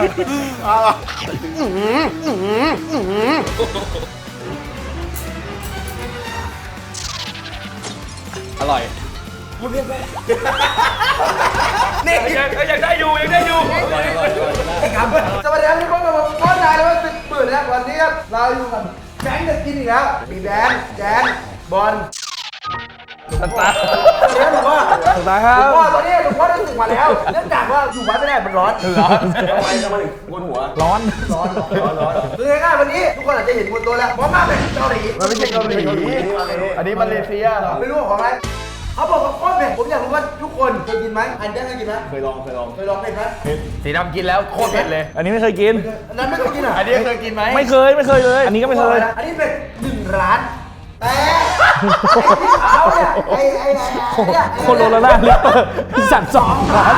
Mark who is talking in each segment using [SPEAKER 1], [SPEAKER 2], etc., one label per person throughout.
[SPEAKER 1] อร่อยนี่ยังได้อยู่ยังได้อยู่
[SPEAKER 2] ครับสวัสดีครับทุกคนผมโค้ชนายเลยว่า10,000แล้ววันนี้ครับเราอยู่กับแก๊งจะกินอีกแล้วมีแดนแจนบอล
[SPEAKER 1] ตา
[SPEAKER 2] เรียกผมว่า
[SPEAKER 1] ตาครับ
[SPEAKER 2] หลวงพ่อตอนนี้หลวงพ่อได้สึกมาแล้วเนื่องจากว่าอยู่วัดไม่ได้มันร้อน
[SPEAKER 1] ทำไมถึงบนหัวร้อน
[SPEAKER 2] คือง่ายๆวันนี้ทุกคนอาจจะเห็นบนตัวแล้วเพราะมากเป็นเกาหลีมันไม่ใช่เกาหลี
[SPEAKER 1] อันนี้มาเลเซีย
[SPEAKER 2] ไม่รู้ของอะไรเขาบอกว่าโคตรเผ็ดผมอยากรู้ว่าทุกคนเคยกินไหมอันนี้เคยกินไหม
[SPEAKER 1] เคยลอง
[SPEAKER 2] เผ็ดไหม
[SPEAKER 1] สีดำกินแล้วโคตรเผ็ดเลยอันนี้ไม่เคยกิน
[SPEAKER 2] อันนั้นไม่เคยกินอ่ะ
[SPEAKER 1] อันนี้เคยกินไหมไม่เคยเลยอันนี้ก็ไม่เคย
[SPEAKER 2] อันนี้เป็น1 ร้านแต่ที่เขาเนี่ย
[SPEAKER 1] คนโลละลิตรสั่ง2 ล้าน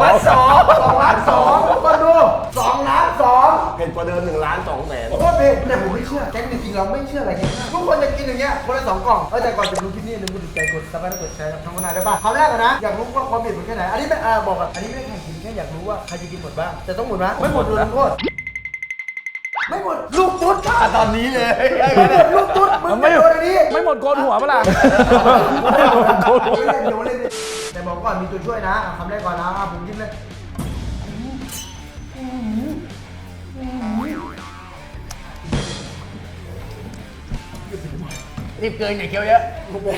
[SPEAKER 1] 2
[SPEAKER 2] คนดู2 ล้าน 2
[SPEAKER 1] เผ็ดกว่าเดิม1 ล้าน 2 แสน
[SPEAKER 2] โคตรเผ็ดแต่ผมไม่เชื่อแก๊งจริงๆเราไม่เชื่ออะไรเงี้ยทุกคนจะกินอย่างเงี้ยคนละ2 กล่องแต่ก่อนจะดูคลิปนี้อย่าลืมกดติดตามกดซับสไครต์กดแชร์กับช่องนายได้ป่ะคราวแรกนะอยากรู้ว่าความเผ็ดมันแค่ไหนอันนี้ไม่บอกอันนี้ไม่ได้แข่งกินแค่อยากรู้ว่าใครจะกินหมดบ้างแต่ต้องหมดนะไม่หมดโดนโทษไม่หมดลูกตุ๊ด
[SPEAKER 1] ตอนนี้เลย
[SPEAKER 2] ลูกตุ๊ดมึงไม่โดนอันนี้
[SPEAKER 1] ไม่หมดโกนหัวเปล่า
[SPEAKER 2] เล่นแต่บอกก่อนมีตัวช่วยนะคำแรกก่อนนะผมกินเลย
[SPEAKER 1] รีบเกินอย่าเคี้ยวเยอะ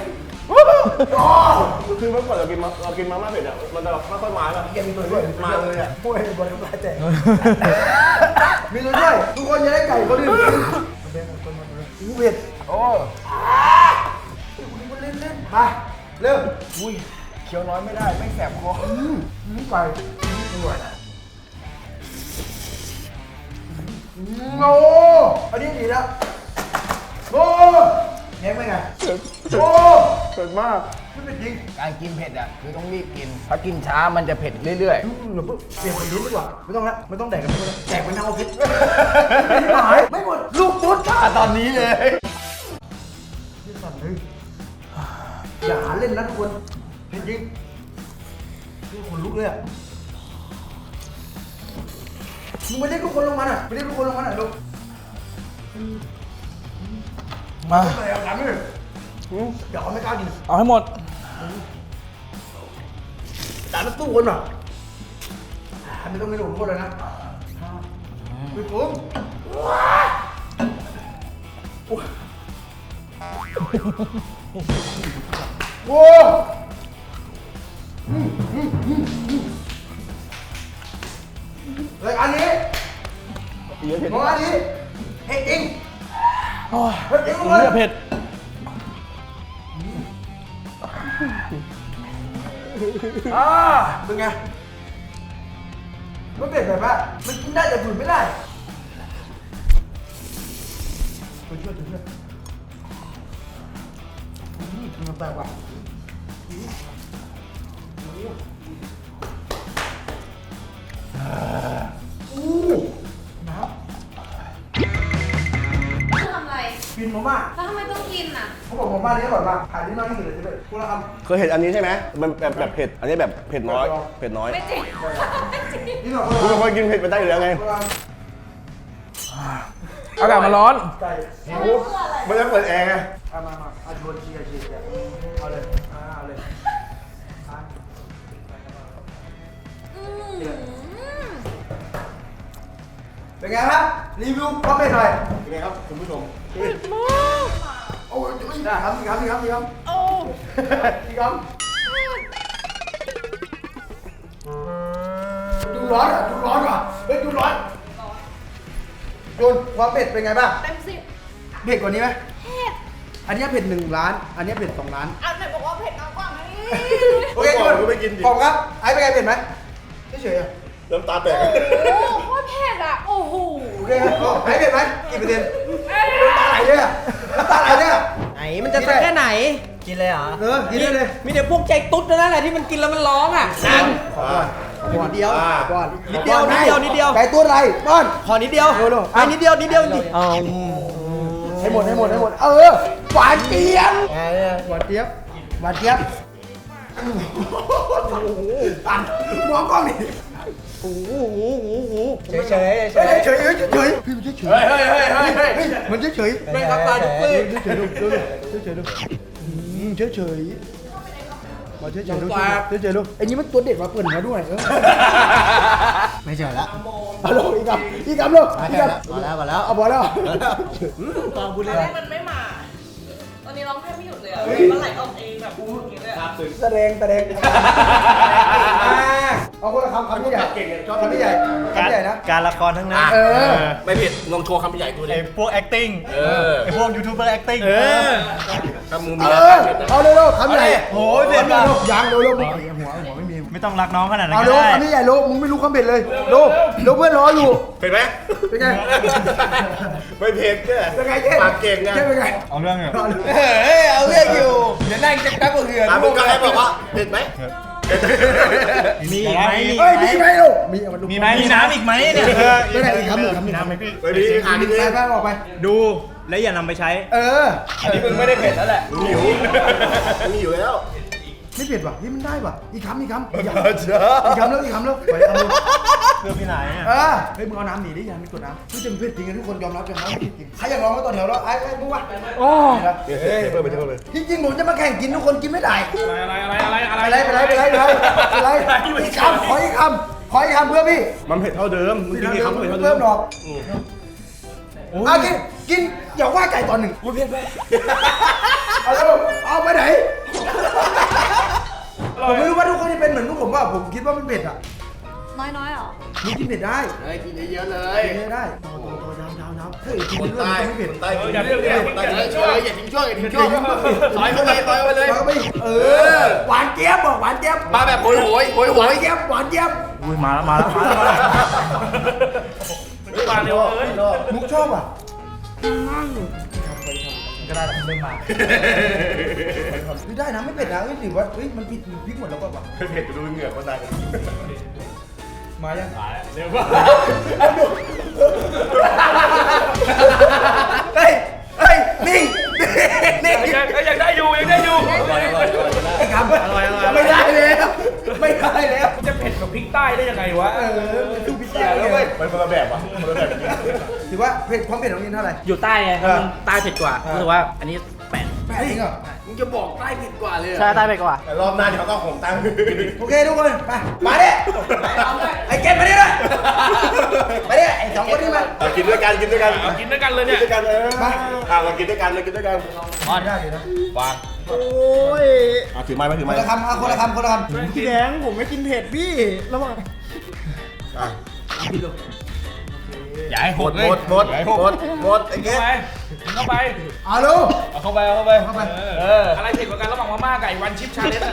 [SPEAKER 3] คือเมื่อก่อนเรากินมาม่าเผ็ดอ่ะมันจะไม่ค่อยมาแล้ว
[SPEAKER 2] แกมีตัวช่วย
[SPEAKER 3] มาเลยอ่ะ
[SPEAKER 2] พูดให้บอลน้ำลายแตกมีตัวช่วยทุกคนจะได้ไก่เขาดื่มเผ็ด
[SPEAKER 1] โอ้
[SPEAKER 2] เล่นมาเริ่ม
[SPEAKER 1] อุ้ยเคี้ยวน้อยไม่ได้ไม่แสบคอ
[SPEAKER 2] ไก่อร่อยโอ้อันนี้ดีแล้วโอ้แง่ไหมไงโอ้
[SPEAKER 3] เผ็ดมาก
[SPEAKER 2] ไม่เป็นจริง
[SPEAKER 1] การกินเผ็ดอ่ะคือต้องรีบกินถ้ากินช้ามันจะเผ็ดเรื่อย
[SPEAKER 2] ๆเปลี่ยนเป็นลิ้นดีกว่าไม่ต้องละไม่ต้องแดกกันทุกคนแดกเป็นทั้งออฟฟิศไม่หมดลูกตุ๊ด
[SPEAKER 1] ตอนนี้เลย
[SPEAKER 2] ที่สั่นเลยอย่าหาเล่นนะทุกคนเผ็ดจริงทุกคนลุกเลยอ่ะมึงไม่ได้ทุกคนลงมาอ่ะไม่ได้ทุกคนลงมาอ่ะลูก
[SPEAKER 1] มา
[SPEAKER 2] เอาถามเลยเดี๋ยวเขาไม่กล้ากิน
[SPEAKER 1] เอาให้หมด
[SPEAKER 2] จานละตู้คนอ่ะไม่ต้องไม่หลงโทษเลยนะไปปุ้มโว้รายการนี้ของอันนี้เผ็ดจริงเผ็ดจริงทุกคน
[SPEAKER 1] เผ็ด
[SPEAKER 2] เป็นไงมันเผ็ดแบบว่ามันกินได้แต่ฝืนไม่ได้ตัวช่วยมันแปลกว่ะน้ำ
[SPEAKER 4] ทำอะไร
[SPEAKER 2] กินมาม่า
[SPEAKER 4] แล้วทำไมต้องกินอ่ะ
[SPEAKER 2] เขาบอกมาม่านี้อร่อยมากขายที่น้อยที่สุดเลยใช่ไหมคุณละคำ
[SPEAKER 3] เคยเห็นอันนี้ใช่ไหมมันแบบเผ็ดอันนี้แบบเผ็ดน้อย
[SPEAKER 4] ไม่จริง
[SPEAKER 2] นี่หน่อย
[SPEAKER 3] คุณเป็นคนกินเผ็ดไปได้อยู่แล้วไง
[SPEAKER 1] อากาศมันร้อน
[SPEAKER 3] ไม่ต้องเปิดแอร์ไง
[SPEAKER 2] มาชวนเชียร์เอาเลยเป็นไงครับรีวิวคอมเมนต์หน่อย
[SPEAKER 3] เป็นไงครับคุณผู้ชม
[SPEAKER 4] เผ็ดมาก
[SPEAKER 2] โอ้ยได้ครับโอ้อีกครับดูร้อนว่ะเฮ้ยดูร้อนโดนความเผ็ดเป็นไงบ้าง
[SPEAKER 4] เต็ม10
[SPEAKER 2] เผ็ดกว่านี้ไหม
[SPEAKER 4] เผ็ด
[SPEAKER 2] อันนี้เผ็ด1 ล้านอันนี้เผ็ด2 ล้าน
[SPEAKER 4] เอาไหนบอกว่าเผ็ดน้อยกว่าไง
[SPEAKER 2] โอเคทุกคนผมครับไอ้เป็นไงเผ็ดไหมเฉย
[SPEAKER 3] เริ่มตาแตก
[SPEAKER 4] โอ้โหเผ็ดอ่ะโอ้โห
[SPEAKER 2] โอเคไอ้เผ็ดไหมกี่เปอร์เซ็นต์ตาไหลเนี่ย
[SPEAKER 5] ไหนมันจะสักแค่ไหนกินเลยเหรอ
[SPEAKER 2] กินได้เลย
[SPEAKER 5] มีแต่พวกใจตุ๊ดนั่นแหละที่มันกินแล้วมันร้องอ่ะนั่น
[SPEAKER 2] นิดเดียว
[SPEAKER 5] นิดเดียว
[SPEAKER 2] ไก่ตัวอะไรป้อน
[SPEAKER 5] ขอนิดเดียวนิดเดียวจริง
[SPEAKER 2] ให้หมดหวานเจี๊ยบตันมองกล้องดิ
[SPEAKER 5] เฉยเฉยเฉย
[SPEAKER 2] เฉยเฉยเฉยพี่มันเฉยเฉยมันเฉยเฉย
[SPEAKER 5] ไม่รับตาทุกปี
[SPEAKER 2] เฉยเฉยเฉยเฉยเฉยมาเฉยเฉยเฉยเฉยลูกไอ้นี่มันตัวเด็กมาเปิดมาด้วยไม่เฉยละเอาลูกอีกคำลูกอีกคำ
[SPEAKER 5] มาแล้ว
[SPEAKER 2] เอาพอแล้ว
[SPEAKER 5] ตอนพูด
[SPEAKER 4] ต
[SPEAKER 5] เล
[SPEAKER 4] อน
[SPEAKER 5] ย
[SPEAKER 4] แรกมันไม่มา ตอนนี้ร้องแทบไม่หยุดเลยอ่ะมันไหลออกเองแบบพูดอย่างเงี้ยเลยอะ
[SPEAKER 2] แสดงเอาคนละคำที่ใหญ่คำที่ใหญ่นะ
[SPEAKER 5] การละครทั้งนั้น
[SPEAKER 3] ไม่ผิดลองโชว์คำใหญ่กูเล
[SPEAKER 5] ไอ้
[SPEAKER 3] ย
[SPEAKER 5] พวก acting ไอ้พวกยูทูบเบอร์ acting
[SPEAKER 3] ถ้ามึงมีอะไรผิดนะ
[SPEAKER 2] เอาเร็วๆคำใหญ่
[SPEAKER 5] โอ้ยเผ็ดว่ะ
[SPEAKER 2] ยังเร็วๆหัวไม่มี
[SPEAKER 5] ไม่ต้องรักน้องขนาดนั้น
[SPEAKER 2] เอา
[SPEAKER 5] ก็
[SPEAKER 2] เร็ว
[SPEAKER 5] ได้
[SPEAKER 2] คำที่ใหญ่ลูกมึงไม่รู้คำเผ็ดเลยลูกเพื่อนรออยู่
[SPEAKER 3] เผ็ดไหม
[SPEAKER 2] เป็นไง
[SPEAKER 3] ไม่เผ็ดแค่
[SPEAKER 2] เป็นไงเจ๊
[SPEAKER 3] ปากเก่งไง
[SPEAKER 2] เจ๊เป็นไง
[SPEAKER 5] เอาเรื่องเนี่ย
[SPEAKER 2] เอาเรื่องอยู่เดี๋ยวนั่งจะแป๊บเหือ
[SPEAKER 3] มึงก็ให้บอกว่าเผ็ดไหม
[SPEAKER 5] มีอีกไหม
[SPEAKER 2] เฮ้ยมีไหมลูกมี
[SPEAKER 5] มีไหมมีน้ำอีกไหมเนี่ย
[SPEAKER 2] ไม่ได้อีกคำหนึ่ง
[SPEAKER 5] มีน้ำไหมพี่
[SPEAKER 3] ไปดีอ่านนิดนึง
[SPEAKER 2] ไปออกไป
[SPEAKER 5] ดูและอย่านำไปใช้
[SPEAKER 3] อันนี้มึงไม่ได้เผ็ดแล้วแหละหิวมีอยู่แล้ว
[SPEAKER 2] ไม่เผ็ดว่ะนี่มันได้ว่ะอีกคำแล้วไปคำแล้ว
[SPEAKER 5] เพื่อพี่ไหนอ่ะ
[SPEAKER 2] เฮ้ยมึงเอาน้ำหนีดิอย่าไม่กดน้ำนี่จะเผ็ดจริงทุกคนยอมรับกันนะจริงใครอยากลองก็ต่อแถวแล้วไอ้มึงวะ
[SPEAKER 1] โอ้
[SPEAKER 3] เฮ้ยเพิ่มไปเท่าเลย
[SPEAKER 2] จริงๆผมจะมาแข่งกินทุกคนกินไม่ได้ ไปอีกคำขออีกคำเพื่อพี่
[SPEAKER 3] มันเผ็ดเท่าเดิมมึงกินกี่คำเผ็ดเท่าเดิ
[SPEAKER 2] เพิ่
[SPEAKER 3] ม
[SPEAKER 2] มหรอกกินอย่าว่าไก่ตอนหนึ่งกูเผ็ดไปเอาไปไหนผมไม่รู้ว่าทุกคนจะเป็นเหมือนพวกผมว่าผมคิดว่ามันเผ็ดอ่ะ
[SPEAKER 4] น้อยๆเหรอ
[SPEAKER 2] มึงกินเผ็ดได้
[SPEAKER 3] กินเยอะๆเลย
[SPEAKER 2] กินได้ตัวยาวเฮ้ยกิน
[SPEAKER 3] คน
[SPEAKER 2] เรื่อย
[SPEAKER 3] ใต้
[SPEAKER 2] ไม่เผ็ด
[SPEAKER 3] คนใต้กินเยอะๆคนใต้กินช่วยอย่าทิ้งช่วยอย่าทิ้งช่วยต่อยเข้าไปต่อยเข้าไปเลย
[SPEAKER 2] แล้วก็ไปหวานเจี๊ยบบอกหวานเจี๊ยบ
[SPEAKER 3] มาแบบโหย
[SPEAKER 2] หวานเจี๊ยบหวานเจี๊ยบ
[SPEAKER 5] อุ้ยมาแล้ว
[SPEAKER 1] มาเร็วเอ้ย
[SPEAKER 2] มุกชอบอ่ะ
[SPEAKER 5] ก็ได้เริ่มมา
[SPEAKER 2] ได้นะไม่เผ็ดนะหรือว่ามันพริกหมดแล้วก็แบบ
[SPEAKER 3] เผ็ดไปดูเหงื่อคนใต้
[SPEAKER 2] มายัง
[SPEAKER 1] เร็วว่า
[SPEAKER 2] เฮ้ยนิ่ง
[SPEAKER 1] ยังได้อยู่
[SPEAKER 2] ไอ้คำไม่ได้แล้ว
[SPEAKER 1] จะเผ็ดกับพริกใต้ได้ยังไงวะ
[SPEAKER 2] ดูพิซซ่าแล้วเว้ย
[SPEAKER 3] มันคนละแบบวะคนละแบบ
[SPEAKER 2] ถือว่าเผ็ดความเผ็ดของนินเท่าไหร่
[SPEAKER 1] อยู่ใต้ไงมันใต้เผ็ดกว่ารู้สึกว่าอันนี้8
[SPEAKER 2] แปดจริงเหรอ
[SPEAKER 3] มึงจะบอกใต้ผิดกว่าเลย
[SPEAKER 1] ใช่ใต้เผ็ดกว่า
[SPEAKER 3] แต่รอบหน้าเดี๋ยวเขาก็ผมตั้ง
[SPEAKER 2] โอเคทุกคนมาดิไอ้เกมมาดิเลยมาดิไอ้สองคนนี้มา
[SPEAKER 3] กินด้วยกัน
[SPEAKER 1] กินด้วยกันเลยเนี่ย
[SPEAKER 3] ด้วยกันเรากินด้วยกันเลยกินด้วยกัน
[SPEAKER 2] ได้เลยนะ
[SPEAKER 3] วางโอ้ยถือไม้ไหมถือ
[SPEAKER 2] ค
[SPEAKER 3] ไม้
[SPEAKER 2] นละคำคนละคำ
[SPEAKER 5] พี่แดงผมไม่กินเผ็ดพี่ระวัง
[SPEAKER 1] อย่าให้ห
[SPEAKER 3] หม
[SPEAKER 1] ด
[SPEAKER 3] ด
[SPEAKER 1] เลย
[SPEAKER 3] หมดไอ้เงี้ย
[SPEAKER 1] เข้าไป
[SPEAKER 2] เอาลูก
[SPEAKER 1] เอาเข้าไปอะไรเผ็ดกว่ากันระหว่างมาม่ากับวันชิปชาเลนจ์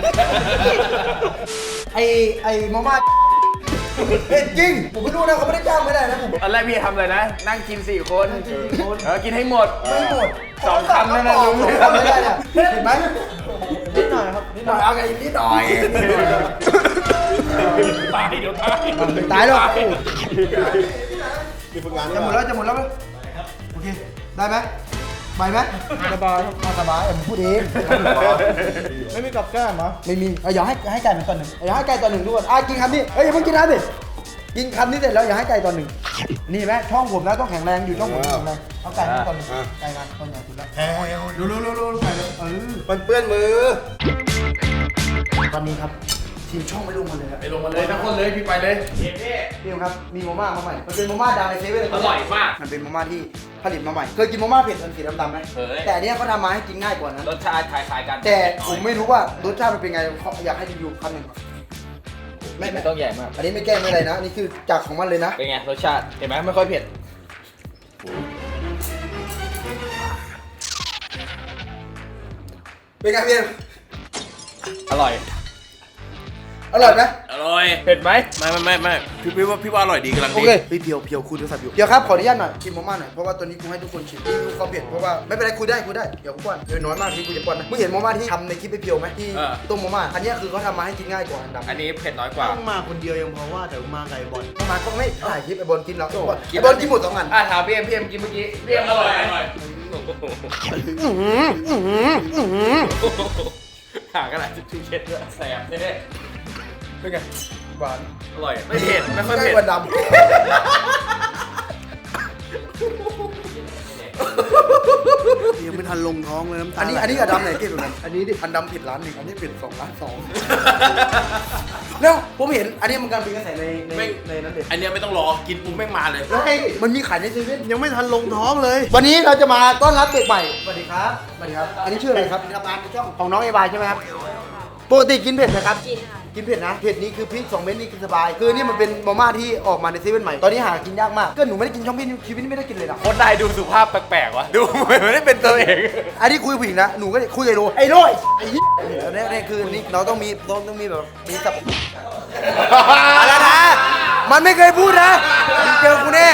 [SPEAKER 2] ไอ้มาม่าเผ็ดจริงผมไม่รู้นะเขาไม่ได้จ้างไม่ได้นะผม
[SPEAKER 3] อันแรกพี่ทำเลยนะ นั่งกิน4 คนกินให้หมด
[SPEAKER 2] ไม่หมด
[SPEAKER 3] 2 คำนั่นนะ
[SPEAKER 2] ไม่ได้เนี่ยเห็นไหมนิดหน่อยครับนิดหน่อยเอาไงนิดหน่อย
[SPEAKER 1] ตายเดี๋ยวตาย
[SPEAKER 2] ตายหรอก
[SPEAKER 3] มีฝึกงาน
[SPEAKER 2] จะหมดแล้วไหมโอเคได้ไหมไปไหมสบายผมพูดเอง
[SPEAKER 5] ไม่มีกับแก้มเหรอ
[SPEAKER 2] ไม่มีอย่าให้ไก่มันตอนหนึ่งอย่าให้ไก่ตอนหนึ่งทุกคนกินคำนี้เฮ้ยอย่าเพิ่งกินน้ำดิกินคำนี้เสร็จแล้วอย่าให้ไก่ตอนหนึ่งนี่ไหมช่องผมนะต้องแข็งแรงอยู่ช่องผมแข็งแรงเอาไก่มาตอนหนึ่งไก่มาตอนใหญ่สุดแล้วรู้ไก่เลย
[SPEAKER 3] มันเปื้อนมือ
[SPEAKER 2] ตอนนี้ครับทีมช่องไม่ลงมาเลยครับ
[SPEAKER 3] ไปลงมาเลยทั้งคนเลยพี่ไปเลย
[SPEAKER 2] พี่ครับมีมาม่ามาใหม่มันเป็นมาม่าดังในเซเว่น
[SPEAKER 1] อร่อยมาก
[SPEAKER 2] มันเป็นมาม่าที่ผลิตมาใหม่เคยกินมาม่าเผ็ดสีดำๆไหม
[SPEAKER 1] เคย
[SPEAKER 2] แต่อันเนี้ยเขาทำมาให้กินง่ายกว่านั้น
[SPEAKER 1] รสชาติคล้ายๆกัน
[SPEAKER 2] แต่ผมไม่รู้ว่ารสชาติมันเป็นไงอยากให้รีวิวคำหนึ่งไม่
[SPEAKER 1] ไม่ต้องใหญ่มาก
[SPEAKER 2] อันนี้ไม่แกล้งไม่อะไรนะนี่คือจากของมันเลยนะ
[SPEAKER 1] เป็นไงรสชาติเห็นไหมไม่ค่อยเผ็ด
[SPEAKER 2] เป็นไงพี่
[SPEAKER 1] อร่อย
[SPEAKER 2] อร่อยไหม
[SPEAKER 1] อร่อยเผ็ดไหมไม่พี่ว่าอร่อยดีกำลัง
[SPEAKER 2] โอ
[SPEAKER 1] ดี
[SPEAKER 2] เคเพียวคุณโทรศัพท์อยู่เดี๋ยวครับขออนุญาตหน่อยชิมมาม่าหน่อยเพราะว่าตัวนี้กูให้ทุกคนชิมรีวิวความเผ็ดเพราะว่าไม่เป็นไรคุยได้เดี๋ยวกูป้อนเดี๋ยวน้อยมากที่กูจะป้อนนะมึงเห็นมาม่าที่ทำในคลิปเพียวไหมที่ต้มมาม่าอันนี้คือเขาทำมาให้กินง่ายกว่าอันดำ
[SPEAKER 1] อันนี้เผ็ดน้อยกว่า
[SPEAKER 5] ต้องมาคนเดียวยังพอว่าแต่มาไก่บอล
[SPEAKER 2] มาก็ไม่ถ่ายคลิปไอ้บอลกินแล้วไอ้บอลกินหมด2 อัน
[SPEAKER 1] ถามพี่เอ็มกินเมื่อกี้พี่เอ็มอร่อย
[SPEAKER 3] หากระดาษทิชชู่เช็ดด้วยแสบแน่
[SPEAKER 2] เป็นไงหวาน
[SPEAKER 3] อร่อยไม่เผ็ดไม่ค่อย
[SPEAKER 2] ใกล้
[SPEAKER 3] เผ็ด
[SPEAKER 2] กว่าดำ
[SPEAKER 3] ยังไม่ทันลงท้องเลยน้ำตา
[SPEAKER 2] อันนี้กับดำไหนเก่งกว่ากันอันนี้ดิอันดำผิดร้านหนึ่งอันนี้ผิด2 ล้าน แล้วผมเห็นอันนี้มันการเป็นกระแสในนั้นเด็ด
[SPEAKER 3] อันเนี้ยไม่ต้องรอกินปุ๊บแม่งมาเลย
[SPEAKER 2] แล้วมันมีขายในเซเว่น
[SPEAKER 3] ยังไม่ทันลงท้องเลย
[SPEAKER 2] วันนี้เราจะมาต้อนรับเด็กใหม่สวัสดีครับสวัสดีครับอันนี้ชื่ออะไรครับทำงานในช่องของน้องเอวายใช่ไหมครับปกติกินเผ็ดไหมครับ
[SPEAKER 4] กินค่ะ
[SPEAKER 2] กินเผ็ดนะเผ็ดนี้คือพริก2 เม็ดนี่กินสบายคือนี่มันเป็นมาม่าที่ออกมาในเซเว่นใหม่ตอนนี้หากินยากมากก็หนูไม่ได้กินช่องพี่ชีวิตนี้ไม่ได้กินเลยนะ
[SPEAKER 3] คนนายดูสุภาพแปลกๆวะดูไม่ได้เป็นตัวเอง
[SPEAKER 2] อันนี้คุยกับผู้หญิงนะหนูก็คุยกับไอ้โรไอ้โรไอ้เหี้ยเนี่ยคือนี่เราต้องมีแบบมีสับอะไรนะมันไม่เคยพูดนะมึงเจอกูแน่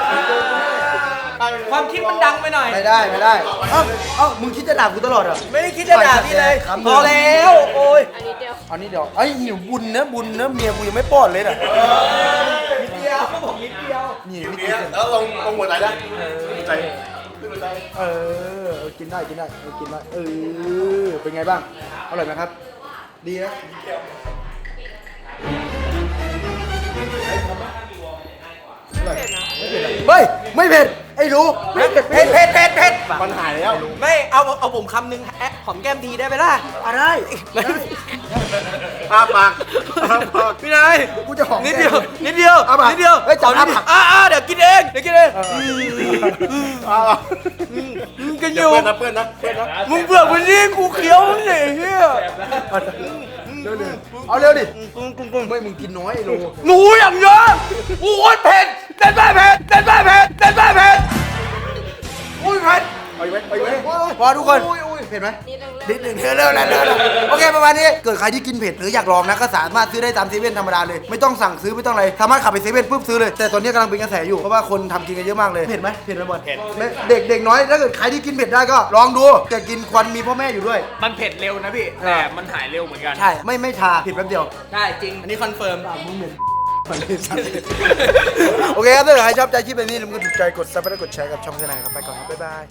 [SPEAKER 5] ความคิดมันดังไปหน่อย
[SPEAKER 2] ไม่ได้เอ้ามึงคิดจะด่ากูตลอดเหรอ
[SPEAKER 5] ไม่ได้คิดจะด่าพี่เลย
[SPEAKER 2] ครับ
[SPEAKER 5] พอแล้วโอ้ย
[SPEAKER 4] อันนี้เดียว
[SPEAKER 2] อันนี้เดี๋ยวไอ้หิวบุญนะเมียกูยังไม่ป้อนเลยน่ะ
[SPEAKER 5] นิดเดียวผมนิดเดียว
[SPEAKER 2] นี่ไม่กิน
[SPEAKER 3] แล้วลงหัวใจนะใจ
[SPEAKER 2] เออกินได้เออเป็นไงบ้างอร่อยไหมครับ ดีนะเฮ้ยไม่เผ็ดไอ้รู้ไม่เผ็ด
[SPEAKER 5] เผ็ด
[SPEAKER 3] มันหายแล้ว
[SPEAKER 5] ไม่เอาผมคำหนึ่งแอะหอมแก้มทีได้ไหมล่ะ
[SPEAKER 2] อะไร
[SPEAKER 3] ปาก
[SPEAKER 5] พี่นาย
[SPEAKER 2] กูจะหอม
[SPEAKER 5] นิดเดียวนิดเดียว
[SPEAKER 2] เอาปะ
[SPEAKER 5] นิดเดียว
[SPEAKER 2] เฮ้ยจับ
[SPEAKER 5] นิดเดียว
[SPEAKER 2] เอาปะ
[SPEAKER 5] เดี๋ยวกินเองกินอยู่
[SPEAKER 3] เพื่อนนะ
[SPEAKER 5] มึงเบื่อวันนี้กูเคี้ยวมึงเนี่ยเฮีย
[SPEAKER 2] เอาเร็วดิไม่มึงกินน้อยไอ้โล
[SPEAKER 5] หนูอย่างเยอะกูโคตรเผ็ดเต้นบ้าเผ็ดอุ้ยเผ็ด
[SPEAKER 2] ไปไว้พอทุกคนเผ็ดไหม
[SPEAKER 4] นิดนึง
[SPEAKER 2] นิดหนึ่งเร็วโอเคประมาณนี้เกิดใครที่กินเผ็ดหรืออยากลองนะก็สามารถซื้อได้ตามเซเว่นธรรมดาเลยไม่ต้องสั่งซื้อไม่ต้องอะไรสามารถขับไปเซเว่นปุ๊บซื้อเลยแต่ตอนนี้กำลังเป็นกระแสอยู่เพราะว่าคนทำกินกันเยอะมากเลยเผ็ดไหมบอลเด็กน้อยถ้าเกิดใครที่กินเผ็ดได้ก็ลองดูแต่กินควันมีพ่อแม่อยู่ด้วย
[SPEAKER 5] มันเผ็ดเร็วนะพี่แต่มันหายเร็วเหมือนกัน
[SPEAKER 2] ใช่ไม่ชาผิดแป๊บเดียว
[SPEAKER 5] ใช่จริงอันนี้คอนเฟิร์ม
[SPEAKER 2] โอเคครับถ้าเกิดใครชอบใจคลิปแบบนี้อย่าลืมกดถูกใจกดซับและกดแชร์กับช่องทนายครับไปก่อนครับบ๊ายบาย